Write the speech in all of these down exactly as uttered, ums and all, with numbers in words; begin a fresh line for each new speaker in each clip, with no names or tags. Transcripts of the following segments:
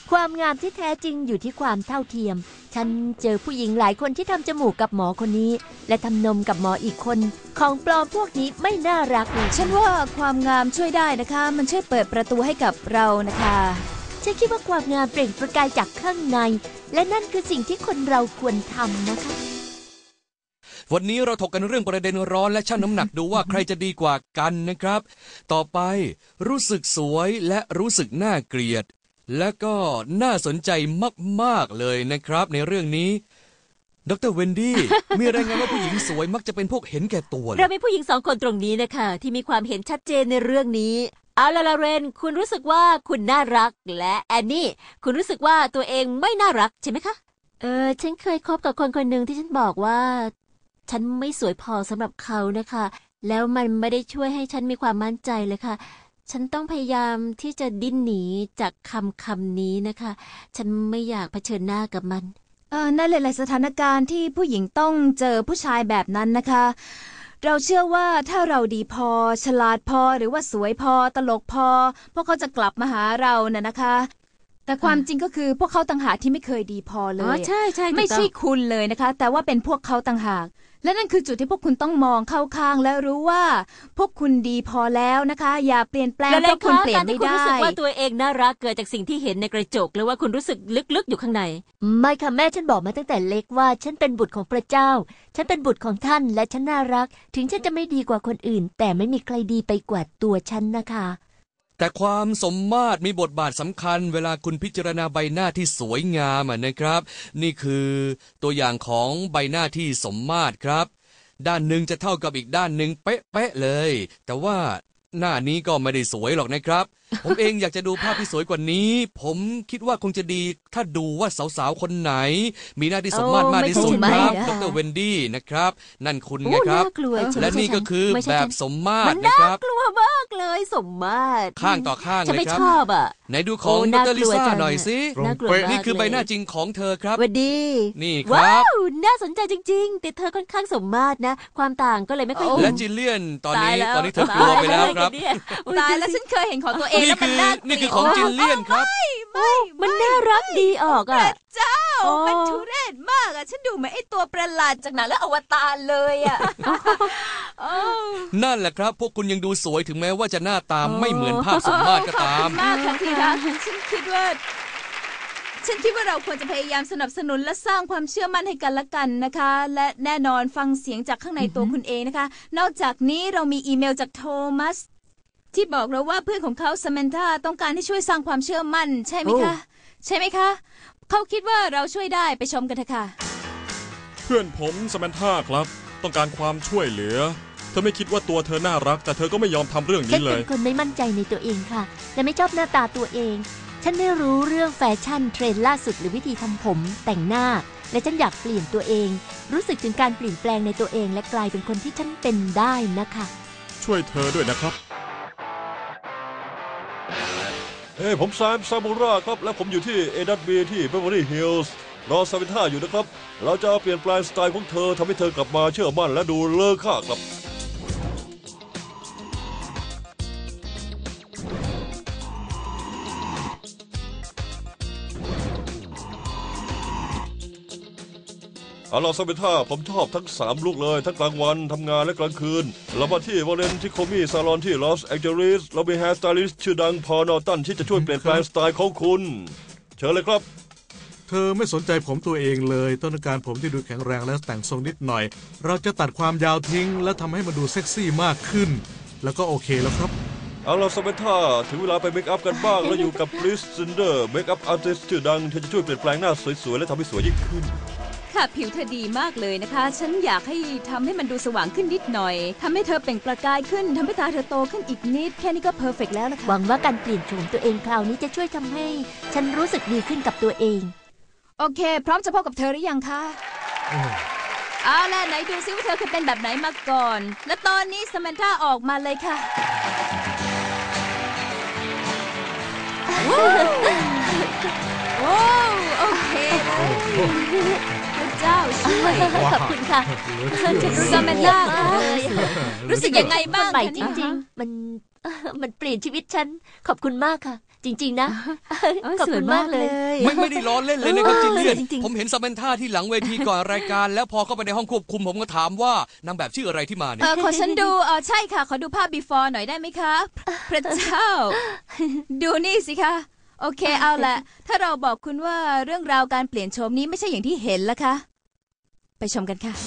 ความงามที่แท้จริงอยู่ที่ความเท่าเทียมฉันเจอผู้หญิงหลายคนที่ทำจมูกกับหมอคนนี้และทำนมกับหมออีกคนของปลอมพวกนี้ไม่น่ารักเลย
ฉันว่าความงามช่วยได้นะคะมันช่วยเปิดประตูให้กับเรานะคะ
ฉันคิดว่าความงามเปล่งประกายจากข้างในและนั่นคือสิ่งที่คนเราควรทำนะคะ
วันนี้เราถกกันเรื่องประเด็นร้อนและชั่งน้ำหนักดูว่าใครจะดีกว่ากันนะครับต่อไปรู้สึกสวยและรู้สึกน่าเกลียดและก็น่าสนใจมากๆเลยนะครับในเรื่องนี้ดร.เวนดี้ มีรายงานว่าผู้หญิงสวยมักจะเป็นพวกเห็นแก่ตัว
เรามีผู้หญิงสองคนตรงนี้นะคะที่มีความเห็นชัดเจนในเรื่องนี้เอาล่ะลาเรนคุณรู้สึกว่าคุณน่ารักและแอนนี่คุณรู้สึกว่าตัวเองไม่น่ารักใช่ไหมคะ
เออฉันเคยคบกับคนคนหนึ่งที่ฉันบอกว่าฉันไม่สวยพอสำหรับเขานะคะแล้วมันไม่ได้ช่วยให้ฉันมีความมั่นใจเลยค่ะฉันต้องพยายามที่จะดิ้นหนีจากคำคำนี้นะคะฉันไม่อยากเผชิญหน้ากับมัน
เออในหลายๆสถานการณ์ที่ผู้หญิงต้องเจอผู้ชายแบบนั้นนะคะเราเชื่อว่าถ้าเราดีพอฉลาดพอหรือว่าสวยพอตลกพอพวกเขาจะกลับมาหาเราน่ะนะคะแต่ความจริงก็คือพวกเขาต่างหากที่ไม่เคยดีพอเลยอ๋อ
ใช่ใช่
ไม่ใช่คุณเลยนะคะแต่ว่าเป็นพวกเขาต่างหากและนั่นคือจุดที่พวกคุณต้องมองเข้าข้างและรู้ว่าพวกคุณดีพอแล้วนะคะอย่าเปลี่ยนแปลงเพราะคุณเปลี่ยนไม่ได้
คุณรู้สึกว่าตัวเองน่ารักเกิดจากสิ่งที่เห็นในกระจกหรือว่าคุณรู้สึกลึกๆอยู่ข้างใน
ไม่ค่ะแม่ฉันบอกมาตั้งแต่เล็กว่าฉันเป็นบุตรของพระเจ้าฉันเป็นบุตรของท่านและฉันน่ารักถึงฉันจะไม่ดีกว่าคนอื่นแต่ไม่มีใครดีไปกว่าตัวฉันนะคะ
แต่ความสมมาตรมีบทบาทสำคัญเวลาคุณพิจารณาใบหน้าที่สวยงามนะครับนี่คือตัวอย่างของใบหน้าที่สมมาตรครับด้านหนึ่งจะเท่ากับอีกด้านหนึ่งเป๊ะๆเลยแต่ว่าหน้านี้ก็ไม่ได้สวยหรอกนะครับ ผมเองอยากจะดูภาพที่สวยกว่านี้ผมคิดว่าคงจะดีถ้าดูว่าสาวๆคนไหนมีหน้าที่สมมาตรมากที่สุดครับดร.เวนดี้นะครับนั่นคุณนะครับและนี่ก็คือแบบสมมาตรนะครับ
น่ากลัวมากเลยสมมาตร
ข้างต่อข้างเลยครับ
ฉันไม่ชอบอ่ะ
ไหนดูของดร.ลิซ่าหน่อยสินี่คือใบหน้าจริงของเธอครับ
วันดี
นี่ครับ
ว้าวน่าสนใจจริงๆแต่เธอค่อนข้างสมมาตรนะความต่างก็เลยไม่ค่อยเห็น
และจิลเลียนตอนนี้ตอนนี้เธอกลัวไปแล้วครับ
ตายแล้วฉันเคยเห็นของตัวเองแล้วมันน่า
นี่คือของจิลเลียนครับ
ไม่
มันน่ารักดีออกอ่ะ
เจ้ามันทุเรศมากอ่ะฉันดูเหมือนไอ้ตัวประหลาดจากหนังแล้วอวตารเลยอ่ะ
นั่นแหละครับพวกคุณยังดูสวยถึงแม้ว่าจะหน้าตาไม่เหมือนภาพสมมาตรก็ตาม
มากค่ะที่รักฉันคิดว่าฉันคิดว่าเราควรจะพยายามสนับสนุนและสร้างความเชื่อมั่นให้กันและกันนะคะและแน่นอนฟังเสียงจากข้างในตัวคุณเองนะคะนอกจากนี้เรามีอีเมลจากโทมัสที่บอกเราว่าเพื่อนของเขาซามนธาต้องการให้ช่วยสร้างความเชื่อมั่นใช่ไหมคะใช่ไหมคะเขาคิดว่าเราช่วยได้ไปชมกันเถอะค่ะ
เพื่อนผมซามนธาครับต้องการความช่วยเหลือเธอไม่คิดว่าตัวเธอน่ารักแต่เธอก็ไม่ยอมทำเรื่องนี้เลย
ฉันเป็นคนไม่มั่นใจในตัวเองค่ะและไม่ชอบหน้าตาตัวเองฉันไม่รู้เรื่องแฟชั่นเทรนด์ล่าสุดหรือวิธีทำผมแต่งหน้าและฉันอยากเปลี่ยนตัวเองรู้สึกถึงการเปลี่ยนแปลงในตัวเองและกลายเป็นคนที่ฉันเป็นได้นะคะ
ช่วยเธอด้วยนะครับ
เฮ้ผมแซมซามูระครับและผมอยู่ที่เอดัตบีที่เบเวอร์ลี่ฮิลส์รอซามนธาอยู่นะครับเราจะเปลี่ยนแปลงสไตล์ของเธอทำให้เธอกลับมาเชื่อมั่นและดูเลอค่าครับเอาล่ะซามนธาผมชอบทั้งสามลุคเลยทั้งกลางวันทำงานและกลางคืนเรามาที่วอลเลนที่โคมี่ซาลอนที่ลอสแองเจลิสเรามีแฮร์สไตลิสต์ชื่อดังพอล นอร์ตันที่จะช่วยเปลี่ยนแปลงสไตล์ของคุณเชิญเลยครับ
เธอไม่สนใจผมตัวเองเลยต้องการผมที่ดูแข็งแรงและแต่งทรงนิดหน่อยเราจะตัดความยาวทิ้งและทำให้มันดูเซ็กซี่มากขึ้นแล้วก็โอเคแล้วครับ
เอาล่ะซามนธาถึงเวลาไปเมคอัพกันบ้างแล้วอยู่กับคริสซินเดอร์เมคอัพอาร์ติสต์ชื่อดังเธอจะช่วยเปลี่ยนแปลงหน้าสวยๆและทำให้สวยยิ่งขึ้น
ค่ะผิวเธอดีมากเลยนะคะฉันอยากให้ทำให้มันดูสว่างขึ้นนิดหน่อยทำให้เธอเปล่งประกายขึ้นทำให้ตาเธอโตขึ้นอีกนิดแค่นี้ก็เพอร์เฟกต์แล้วนะคะ
หวังว่าการเปลี่ยนโฉมตัวเองคราวนี้จะช่วยทำให้ฉันรู้สึกดีขึ้นกับตัวเอง
โอเคพร้อมจะพบกับเธอหรือยังคะเอาล่ะไหนดูซิว่าเธอเคยเป็นแบบไหนมาก่อนและตอนนี้ซามนธาออกมาเลยค่ะโอ้โอเคเลยพระเจ้าช่วย
ขอบคุณค่ะ
ฉันรู้ซามนธาเลยรู้สึกยังไงบ้าง
ใหม่จริงๆมันมันเปลี่ยนชีวิตฉันขอบคุณมากค่ะ
จริงๆนะ
โอ้ย
ขอบ
สว
คุ
ย
ณ
มาม
าก ก
เล
เลย ย
ไม่ไม่ได้ล้อเล่นเลยนะครับจิลเลียน
จริงๆ
ผมเห็นซาเมนท่าที่หลังเวทีก่อนรายการ แล้วพอเข้าไปในห้องควบคุมผมก็ถามว่านางแบบชื่ออะไรที่มาเนี่
เอย อขอฉันดูเออใช่ค่ะ ขอดูภาพ before หน่อยได้ไหมคะ พระเจ้า ดูนี่สิคะ โอเคเอาละถ้าเราบอกคุณว่าเรื่องราวการเปลี่ยนโฉมนี้ไม่ใช่อย่างที่เห็นละคะ ไปชมกันค่ะ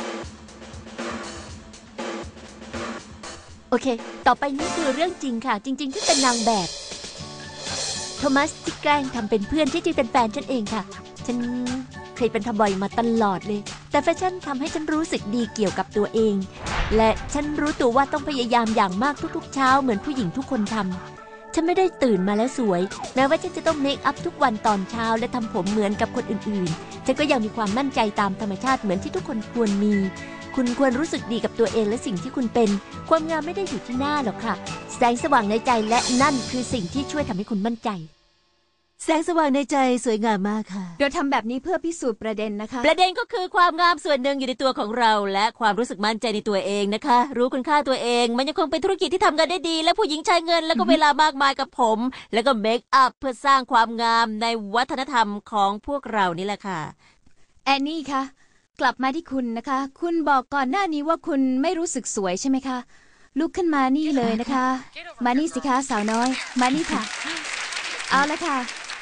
โอเค ต่อไปนี้คือเรื่องจริงค่ะ จริงๆที่เป็นนางแบบ โทมัสที่แกล้งทำเป็นเพื่อนที่จริงเป็นแฟนฉันเองค่ะ ฉันเคยเป็นทบอยมาตลอดเลย แต่แฟชั่นทำให้ฉันรู้สึกดีเกี่ยวกับตัวเอง และฉันรู้ตัวว่าต้องพยายามอย่างมากทุกๆเช้าเหมือนผู้หญิงทุกคนทำฉันไม่ได้ตื่นมาแล้วสวย แม้ว่าฉันจะต้องเมคอัพทุกวันตอนเช้าและทำผมเหมือนกับคนอื่นๆ ฉันก็ยังมีความมั่นใจตามธรรมชาติเหมือนที่ทุกคนควรมี คุณควรรู้สึกดีกับตัวเองและสิ่งที่คุณเป็น ความงามไม่ได้อยู่ที่หน้าหรอกค่ะ แสงสว่างในใจและนั่นคือสิ่งที่ช่วยทำให้คุณมั่นใจ
แสงสว่างในใจสวยงามมากค่ะ
เราทำแบบนี้เพื่อพิสูจน์ประเด็นนะคะ
ประเด็นก็คือความงามส่วนหนึ่งอยู่ในตัวของเรา และความรู้สึกมั่นใจในตัวเองนะคะ รู้คุณค่าตัวเอง มันยังคงเป็นธุรกิจที่ทำกันได้ดี และผู้หญิงใช้เงินแล้วก็เวลามากมายกับผม แล้วก็เมคอัพเพื่อสร้างความงามในวัฒนธรรมของพวกเรานี่แหละค่ะ
แอนนี่คะกลับมาที่คุณนะคะ คุณบอกก่อนหน้านี้ว่าคุณไม่รู้สึกสวยใช่ไหมคะลุกขึ้นมานี่เลยนะคะ มานี่สิคะสาวน้อย มานี่ค่ะ เอาละค่ะ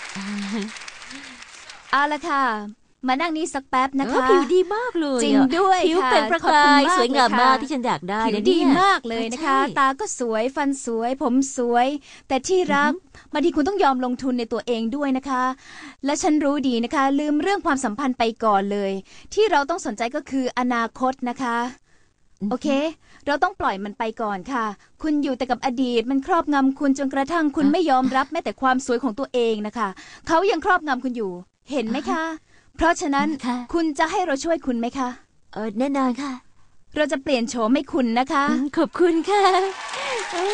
เอาละค่ะ มานั่งนี่สักแป๊บนะ
เออ
คะ
ผิวดีมากเลย
จริงด้วย
ผิว
ค่ะ
เป็นประ
ขอบ
กา
คุณ
ย
มาก
สวยงาม
เลยค่ะ
มากที่ฉันอยากได้
ผิว
นะ
ดี
เนี่ย
มากเลยนะคะ
ใช่
ตาก็สวยฟันสวย ผมสวย แต่ที่รักบางทีคุณต้องยอมลงทุนในตัวเองด้วยนะคะ และฉันรู้ดีนะคะ ลืมเรื่องความสัมพันธ์ไปก่อนเลย ที่เราต้องสนใจก็คืออนาคตนะคะ โอเค เราต้องปล่อยมันไปก่อนค่ะ คุณอยู่แต่กับอดีตมันครอบงำคุณจนกระทั่งคุณไม่ยอมรับแม้แต่ความสวยของตัวเองนะคะ เขายังครอบงำคุณอยู่ เห็นไหมคะ เพราะฉะนั้น
ค่ะ
คุณจะให้เราช่วยคุณไหมคะ
เออแน่นอนค่ะ
เราจะเปลี่ยนโฉมให้คุณนะคะ
อืมขอบคุณค่ะโอ้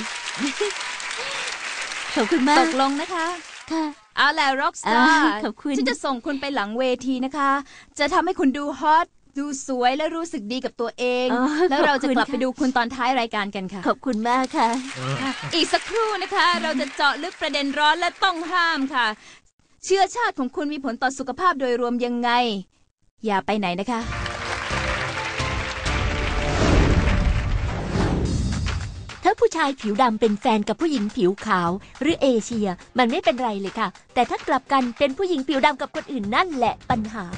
ขอบคุณมา
ต
ก
กลงนะคะ
ค่ะ
เอาแหละร็อกสตา
อ่า
ร์
ขอบคุณ
ฉันจะส่งคุณไปหลังเวทีนะคะ จะทำให้คุณดูฮอต ดูสวยและรู้สึกดีกับตัวเอง
อ๋อ
แล้วเราจะ
ขอบคุณ
กลับไป
ค่ะ
ดูคุณตอนท้ายรายการกันค่ะ
ขอบคุณมากค่ะ
อีกสักครู่นะคะ เราจะเจาะลึกประเด็นร้อนและต้องห้ามค่ะ เชื้อชาติของคุณมีผลต่อสุขภาพโดยรวมยังไง อย่าไปไหนนะคะ
ถ้าผู้ชายผิวดำเป็นแฟนกับผู้หญิงผิวขาว หรือเอเชีย มันไม่เป็นไรเลยค่ะ แต่ถ้ากลับกันเป็นผู้หญิงผิวดำกับคนอื่นนั่นแหละปัญหา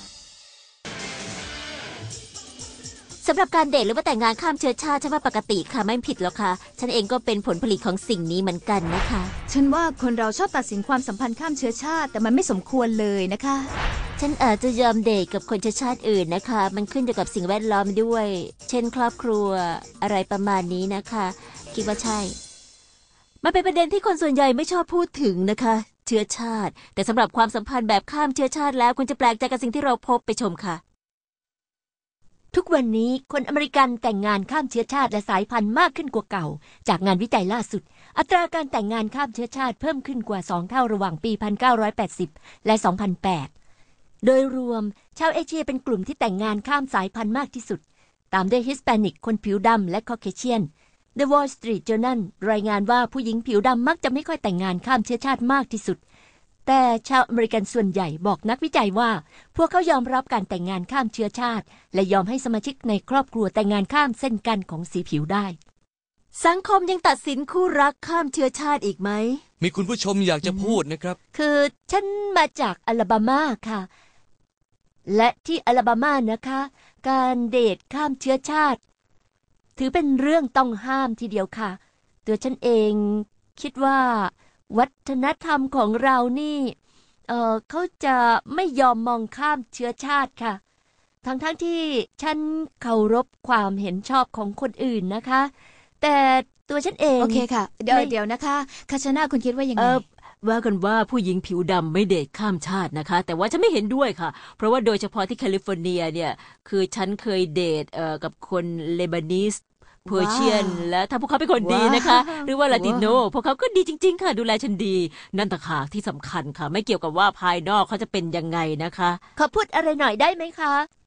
สำหรับการเดทหรือว่าแต่งงานข้ามเชื้อชาติฉันว่าปกติค่ะไม่ผิดหรอกค่ะ ฉันเองก็เป็นผลผลิตของสิ่งนี้เหมือนกันนะคะ
ฉันว่าคนเราชอบตัดสินความสัมพันธ์ข้ามเชื้อชาติ แต่มันไม่สมควรเลยนะคะ
ฉันอาจจะยอมเดทกับคนเชื้อชาติอื่นนะคะ มันขึ้นอยู่กับสิ่งแวดล้อมด้วย เช่นครอบครัวอะไรประมาณนี้นะคะ คิดว่าใช่ มันเป็นประเด็นที่คนส่วนใหญ่ไม่ชอบพูดถึงนะคะ เชื้อชาติ แต่สำหรับความสัมพันธ์แบบข้ามเชื้อชาติแล้วคุณจะแปลกใจกับสิ่งที่เราพบไปชมค่ะ
ทุกวันนี้คนอเมริกันแต่งงานข้ามเชื้อชาติและสายพันธุ์มากขึ้นกว่าเก่า จากงานวิจัยล่าสุด อัตราการแต่งงานข้ามเชื้อชาติเพิ่มขึ้นกว่าสองเท่าระหว่างปี หนึ่งพันเก้าร้อยแปดสิบ และ สองพันแปด โดยรวมชาวเอเชียเป็นกลุ่มที่แต่งงานข้ามสายพันธุ์มากที่สุด ตามด้วยฮิสแปนิกคนผิวดำและคอเคเชียน The Wall Street Journal รายงานว่าผู้หญิงผิวดำมักจะไม่ค่อยแต่งงานข้ามเชื้อชาติมากที่สุดแต่ชาวอเมริกันส่วนใหญ่บอกนักวิจัยว่าพวกเขายอมรับการแต่งงานข้ามเชื้อชาติและยอมให้สมาชิกในครอบครัวแต่งงานข้ามเส้นกันของสีผิวได้
สังคมยังตัดสินคู่รักข้ามเชื้อชาติอีกไหม
มีคุณผู้ชมอยากจะพูดนะครับ
คือฉันมาจากอลาบามาค่ะ และที่อลาบามานะคะ การเดทข้ามเชื้อชาติ ถือเป็นเรื่องต้องห้ามทีเดียวค่ะ ตัวฉันเองคิดว่าวัฒนธรรมของเรานี่เออเขาจะไม่ยอมมองข้ามเชื้อชาติค่ะ ทั้งๆ ท, ที่ฉันเคารพความเห็นชอบของคนอื่นนะคะ แต่ตัวฉันเอง
โอเคค่ะ เดี๋ยว
ไม่
เดี๋ยวนะคะคาชนาคุณคิดว่ายัง
เอ
ไง
อว่ากันว่าผู้หญิงผิวดำไม่เดทข้ามชาตินะคะ แต่ว่าฉันไม่เห็นด้วยค่ะ เพราะว่าโดยเฉพาะที่แคลิฟอร์เนียเนี่ยคือฉันเคยเดทเอ่อกับคนเลบานีสเพอร์เชียน และถ้าพวกเขาเป็นคนดีนะคะ
ว้าว
หรือว่าลาติโน
ว้าว
พวกเขาก็ดีจริง ๆ ค่ะ ดูแลฉันดี นั่นต่างหากที่สำคัญค่ะ ไม่เกี่ยวกับว่าภายนอกเขาจะเป็นยังไงนะคะ
ขอพูดอะไรหน่อยได้ไหมคะ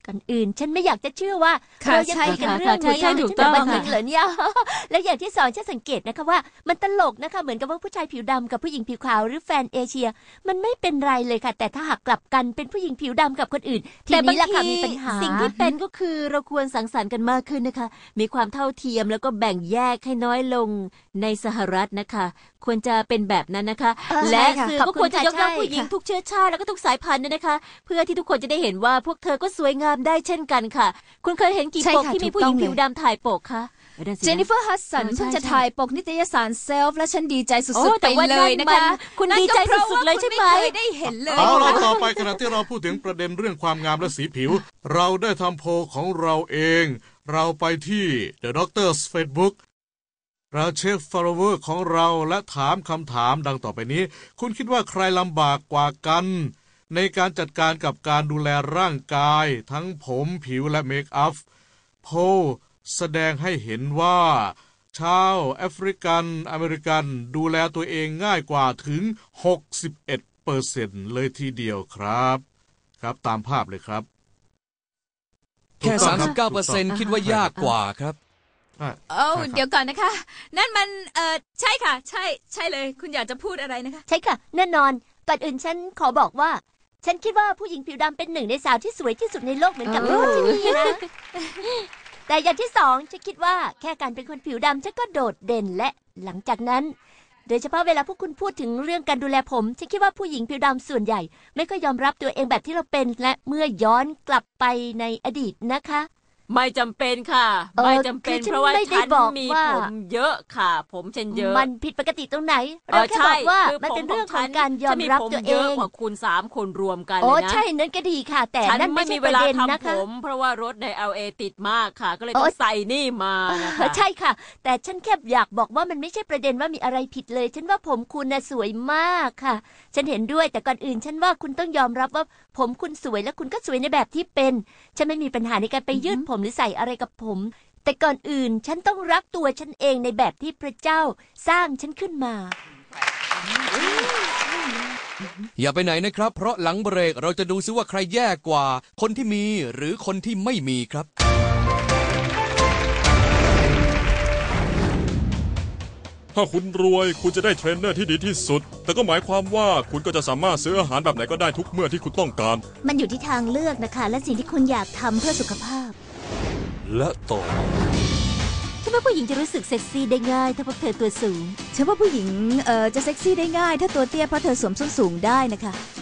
ก่อนอื่น ฉันไม่อยากจะเชื่อว่า
ค่ะ
เรายัง
ใช่
คุยกัน
ค่ะ
เรื่อง
ใช่
นี้
ใช่ถูกต้อง
ตั้แต่วัน
ค่ะ
นั้นเหรอเนี่ย แล้วอย่างที่สองฉันสังเกตนะคะว่ามันตลกนะคะเหมือนกับว่าผู้ชายผิวดำกับผู้หญิงผิวขาวหรือแฟนเอเชีย มันไม่เป็นไรเลยค่ะ แต่ถ้าหากกลับกันเป็นผู้หญิงผิวดำกับคนอื่นที
แต่บา
นี้
ง
แหละค่ะ
ที
มีปัญหา
สิ่งที่เป็นก็คือเราควรสังสรรค์กันมากขึ้นนะคะ มีความเท่าเทียมแล้วก็แบ่งแยกให้น้อยลงในสหรัฐนะคะ ควรจะเป็นแบบนั้นนะคะ
เออ
และ
ใช่ค่ะ
สื่อ
ขอบ
ก็
คุณ
ควรจะ
ค่ะ
ยกย่อง
ใช่
ผู้หญิง
ค่ะ
ทุกเชื้อชาติแล้วก็ทุกสายพันธุ์ด้วยนะคะ เพื่อที่ทุกคนจะได้เห็นว่าพวกเธอก็สวยงามได้เช่นกันค่ะ คุณเคยเห็นกี่
ใช่
ปก
ค่ะ
ที่มี
ถูก
ผู้หญิง
ต้องเลย
ผิวดำถ่ายปกคะเออนั่นสินะ
เจนนิเฟอร์ฮัสสัน
เออใช่
เพิ่งจะ
ใช่
ถ่ายปกนิตยสารเซลฟ์และฉันดีใจสุ
โอ้
ดๆ
แต่
ไป
ว่า
เลยนะ
มั
คะ
คุณ
นั่น
ดี
ก็
ใจ
เพราะ
สุด
ว่า
ๆเลย
คุณ
ใช่ไหม
ไม่เคยได้เห็นเลย
เอาละต่อไปขณะที่เราพูดถึงประเด็นเรื่องความงามและสีผิว เราได้ทำโพลของเราเอง เราไปที่ The Doctor's Facebook เราเช็ค follower ของเราและถามคำถามดังต่อไปนี้ คุณคิดว่าใครลำบากกว่ากัน ในการจัดการกับการดูแลร่างกาย ทั้งผมผิวและเมคอัพโพลแสดงให้เห็นว่า ชาวแอฟริกันอเมริกันดูแลตัวเองง่ายกว่าถึง หกสิบเอ็ดเปอร์เซ็นต์ เลยทีเดียวครับ ครับตามภาพเลยครับ
แค่
ถูกต้อง
สาม
ค
สิบเก้าเปอร์เซ็นต์
ถูกต้อง
คิดว่ายากกว่าครับ
ใช่
เอ้า
ใช่ครับ
เดี๋ยวก่อนนะคะ นั่นมันเออใช่ค่ะ ใช่ใช่เลย คุณอยากจะพูดอะไรนะคะ
ใช่ค่ะแน่นอนก่อนอื่นฉันขอบอกว่า ฉันคิดว่าผู้หญิงผิวดำเป็นหนึ่งในสาวที่สวยที่สุดในโลกเหมือนกับ
โอ้
พี่คนที่นี่นะ แต่อย่างที่สองฉันคิดว่าแค่การเป็นคนผิวดำฉันก็โดดเด่นและหลังจากนั้น โดยเฉพาะเวลาพวกคุณพูดถึงเรื่องการดูแลผมฉันคิดว่าผู้หญิงผิวดำส่วนใหญ่ ไม่ค่อยยอมรับตัวเองแบบที่เราเป็นและเมื่อย้อนกลับไปในอดีตนะคะ
ไม่จำเป็นค่ะ
เออ
ไม่จำเป็น
คือฉัน
เพราะว่า
ไม่ได้
ฉัน
บอก
มี
ว่า
ผมเยอะค่ะ ผมฉันเยอะ
มันผิดปกติตรงไหน
เอ
เรา
อ
แค่
ใช่
บอกว่า
คือ
มันเป็น
ผ
เรื่องของ
ฉัน
การยอมรับ
ฉัน
ตัว
ผม
เอ
เยอะ
ง
กว่าคุณสามคนรวมกัน
โอ้
เลยนะ
ใช่นั่นก็ดีค่ะ แต่
ฉัน
นั่น
ไม่
ไม่
มี
ใช่
เว
ประ
ลา
เด็นนะ
ทำผ
คะ
ม เพราะว่ารถใน แอล เอ ติดมากค่ะ ก็เลย
โอ๊
ต้อย งใส่นี่มานะ
เออ
คะ
ใช่ค่ะ แต่ฉันแค่อยากบอกว่ามันไม่ใช่ประเด็นว่ามีอะไรผิดเลย ฉันว่าผมคุณน่ะสวยมากค่ะ ฉันเห็นด้วยแต่ก่อนอื่น ฉันว่าคุณต้องยอมรับว่าผมคุณสวยและคุณก็สวยในแบบที่เป็น ฉันไม่มีปัญหาในการไปยืดผมหรือใส่อะไรกับผม แต่ก่อนอื่นฉันต้องรักตัวฉันเองในแบบที่พระเจ้าสร้างฉันขึ้นมา
อย่าไปไหนนะครับ เพราะหลังเบรกเราจะดูซิว่าใครแย่กว่า คนที่มีหรือคนที่ไม่มีครับ
ถ้าคุณรวยคุณจะได้เทรนเนอร์ที่ดีที่สุด แต่ก็หมายความว่าคุณก็จะสามารถซื้ออาหารแบบไหนก็ได้ทุกเมื่อที่คุณต้องการ
มันอยู่ที่ทางเลือกนะคะ และสิ่งที่คุณอยากทำเพื่อสุขภาพ
และต่อ
ฉันว่าผู้หญิงจะรู้สึกเซ็กซี่ได้ง่ายถ้าพวกเธอตัวสูง
ฉันว่าผู้หญิงเอ่อจะเซ็กซี่ได้ง่าย ถ้าตัวเตี้ยเพราะเธอสวมส้นสูงได้นะคะ